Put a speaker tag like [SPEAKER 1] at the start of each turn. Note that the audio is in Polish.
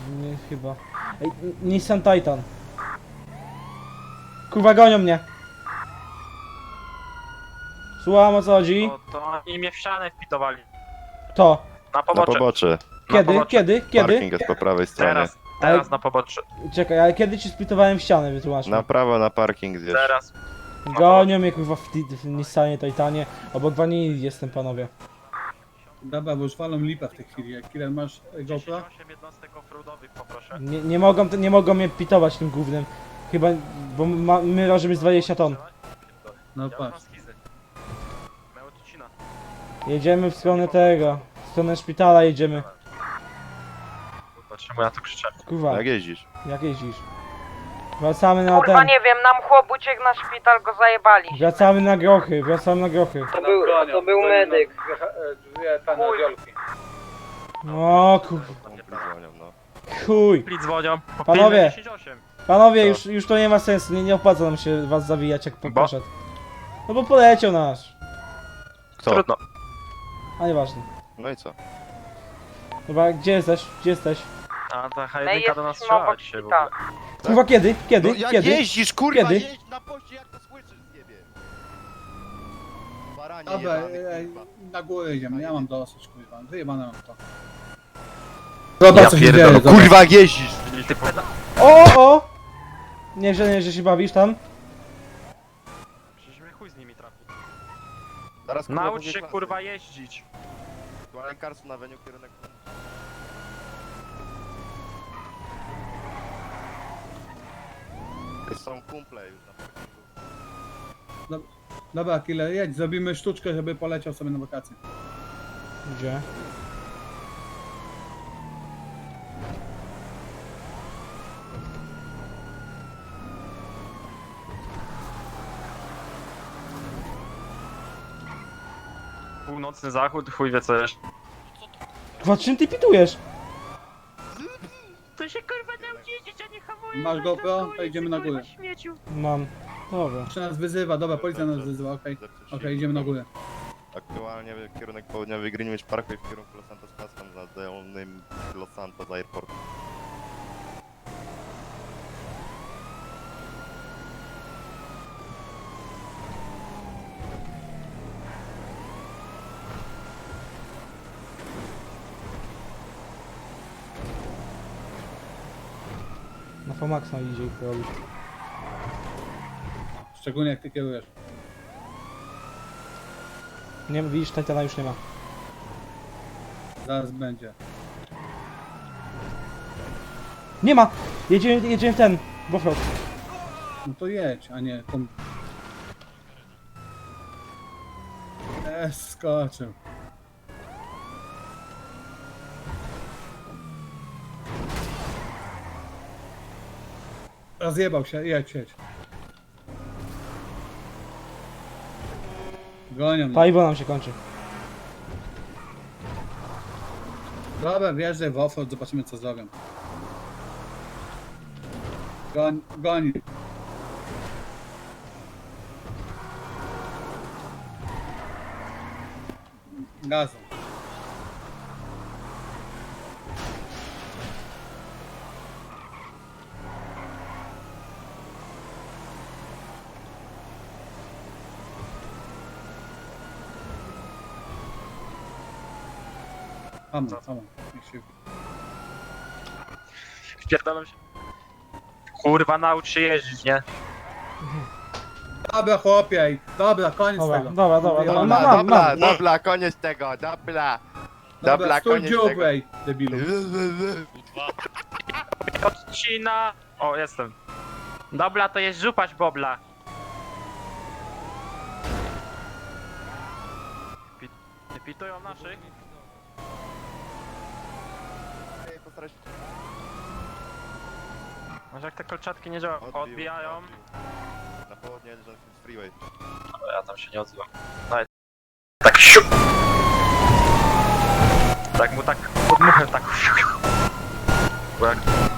[SPEAKER 1] Nie, chyba. Ej, Nissan Titan. Kurwa, gonią mnie. Słucham, o co chodzi?
[SPEAKER 2] To oni mnie w ścianę wpitowali.
[SPEAKER 1] To.
[SPEAKER 2] Na
[SPEAKER 3] Na
[SPEAKER 2] pobocze.
[SPEAKER 3] pobocze.
[SPEAKER 1] Kiedy?
[SPEAKER 3] Parking jest po prawej stronie.
[SPEAKER 2] Teraz na pobocze.
[SPEAKER 1] Czekaj, ale kiedy ci splitowałem ścianę, wytłumacz mi.
[SPEAKER 3] Na prawo na parking zjeżdż.
[SPEAKER 2] Teraz.
[SPEAKER 1] Gonią mnie kurwa w Nissanie Titanie. Obok wanili jestem, panowie.
[SPEAKER 4] Dobra, bo już walą lipa w tej chwili. Jak Killer masz GoPro?
[SPEAKER 2] 8 jednostek offroadowych poproszę.
[SPEAKER 1] Nie mogą mnie pitować tym głównym. Chyba, bo my ważymy z 20 ton.
[SPEAKER 4] No
[SPEAKER 2] Ja mam
[SPEAKER 4] patrz.
[SPEAKER 2] schizy. Mełtucina.
[SPEAKER 1] Jedziemy w stronę tego. W stronę szpitala jedziemy.
[SPEAKER 2] Kurwa, czemu ja tu krzyczę?
[SPEAKER 1] Kurwa,
[SPEAKER 3] Jak jeździsz?
[SPEAKER 1] jak jeździsz? Wracamy na
[SPEAKER 5] Kurwa
[SPEAKER 1] ten.
[SPEAKER 5] nie wiem, nam chłop uciekł na szpital, go zajebali.
[SPEAKER 1] Wracamy na grochy, wracamy na grochy.
[SPEAKER 5] To był medyk.
[SPEAKER 4] Dwie panadziolki.
[SPEAKER 1] O kurwa,
[SPEAKER 3] Dzwonią, no.
[SPEAKER 1] chuj.
[SPEAKER 2] Pli dzwonią.
[SPEAKER 1] Panowie.
[SPEAKER 2] 10-8.
[SPEAKER 1] Panowie,
[SPEAKER 3] Co?
[SPEAKER 1] już to nie ma sensu, nie opłaca nam się was zawijać jak
[SPEAKER 2] Bo?
[SPEAKER 1] poszedł. No bo poleciał nasz.
[SPEAKER 3] Kto?
[SPEAKER 2] Trudno.
[SPEAKER 1] A nieważne.
[SPEAKER 3] No i co?
[SPEAKER 1] Dobra, gdzie jesteś? Gdzie jesteś?
[SPEAKER 2] A ta
[SPEAKER 5] My
[SPEAKER 2] H1 do nas
[SPEAKER 5] jesteśmy
[SPEAKER 2] strzela
[SPEAKER 5] obok
[SPEAKER 2] dzisiaj w
[SPEAKER 5] szpitala.
[SPEAKER 2] ogóle.
[SPEAKER 1] Kurwa, kiedy? Kiedy?
[SPEAKER 3] No jak
[SPEAKER 1] Kiedy?
[SPEAKER 3] jeździsz, kurwa,
[SPEAKER 1] Kiedy?
[SPEAKER 3] jeźdź na poście, jak to słyszysz z niebie. Baranie
[SPEAKER 4] Dobra,
[SPEAKER 3] jebany, kurwa.
[SPEAKER 4] na górę idziemy. Ja mam dosyć, kurwa. Wyjebane mam to.
[SPEAKER 2] Ja
[SPEAKER 4] Zobacz, co się
[SPEAKER 2] pierdolę,
[SPEAKER 4] dzieje. zobacz.
[SPEAKER 3] Kurwa, jak jeździsz!
[SPEAKER 2] Ty peda...
[SPEAKER 1] O! Nie, że się bawisz tam.
[SPEAKER 2] Przecież mnie chuj z nimi trafi.
[SPEAKER 3] Zaraz,
[SPEAKER 2] Naucz
[SPEAKER 3] drugiej
[SPEAKER 2] się
[SPEAKER 3] klasy.
[SPEAKER 2] kurwa jeździć.
[SPEAKER 3] Aktualnie Karlsson na weniu, kierunek... Są kumple już na parkingu.
[SPEAKER 4] Dobra, Killer, jedź. Zrobimy sztuczkę, żeby poleciał sobie na wakacje.
[SPEAKER 1] Gdzie?
[SPEAKER 2] Północny zachód, chuj wie co jeszcze.
[SPEAKER 1] Kurwa, czym ty pitujesz?
[SPEAKER 2] To się kurwa nauczy jeździć, a nie hamuje.
[SPEAKER 4] Masz GoPro? To idziemy na górę.
[SPEAKER 1] Mam. Dobra.
[SPEAKER 4] Jeszcze nas wyzywa, dobra, policja nas wyzywa, okej. Okej, idziemy na górę.
[SPEAKER 3] Aktualnie kierunek południowy Greenwich Parkway w kierunku Los Santos Custom za dolnym Los Santos Airport.
[SPEAKER 1] Na Fomaxa idzie ich robić.
[SPEAKER 4] Szczególnie jak ty kierujesz.
[SPEAKER 1] Nie, widzisz, Titana już nie ma.
[SPEAKER 4] Zaraz będzie.
[SPEAKER 1] Nie ma! Jedziemy w ten. W offroad.
[SPEAKER 4] No to jedź, a nie... Skoczył. Rozjebał się, jedź. Gonią mnie.
[SPEAKER 1] Paliwo nam się kończy.
[SPEAKER 4] Dobra, wjeżdżaj w offroad, zobaczymy co zrobią. Goni. Gazem. Hamon. Niech się...
[SPEAKER 2] Wpierdalam się. Kurwa naucz się jeździć, nie?
[SPEAKER 4] Dobra chłopie, dobra, koniec
[SPEAKER 1] Dobra,
[SPEAKER 4] tego.
[SPEAKER 1] dobra.
[SPEAKER 3] Dobra, koniec tego, dobra. Dobra,
[SPEAKER 4] stój
[SPEAKER 3] koniec
[SPEAKER 4] dziób,
[SPEAKER 3] tego.
[SPEAKER 4] ej, debilu.
[SPEAKER 2] Odcina. O, jestem. Dobra, to jest żupać bobla. Pitują naszych.
[SPEAKER 3] Postaraj się.
[SPEAKER 2] Może jak te kolczatki nie działają, odbijają.
[SPEAKER 3] Na południe Johnson Freeway.
[SPEAKER 2] Ale ja tam się nie odzywam. Daj. Tak siup! Tak mu tak podmuchę, tak. Bo jak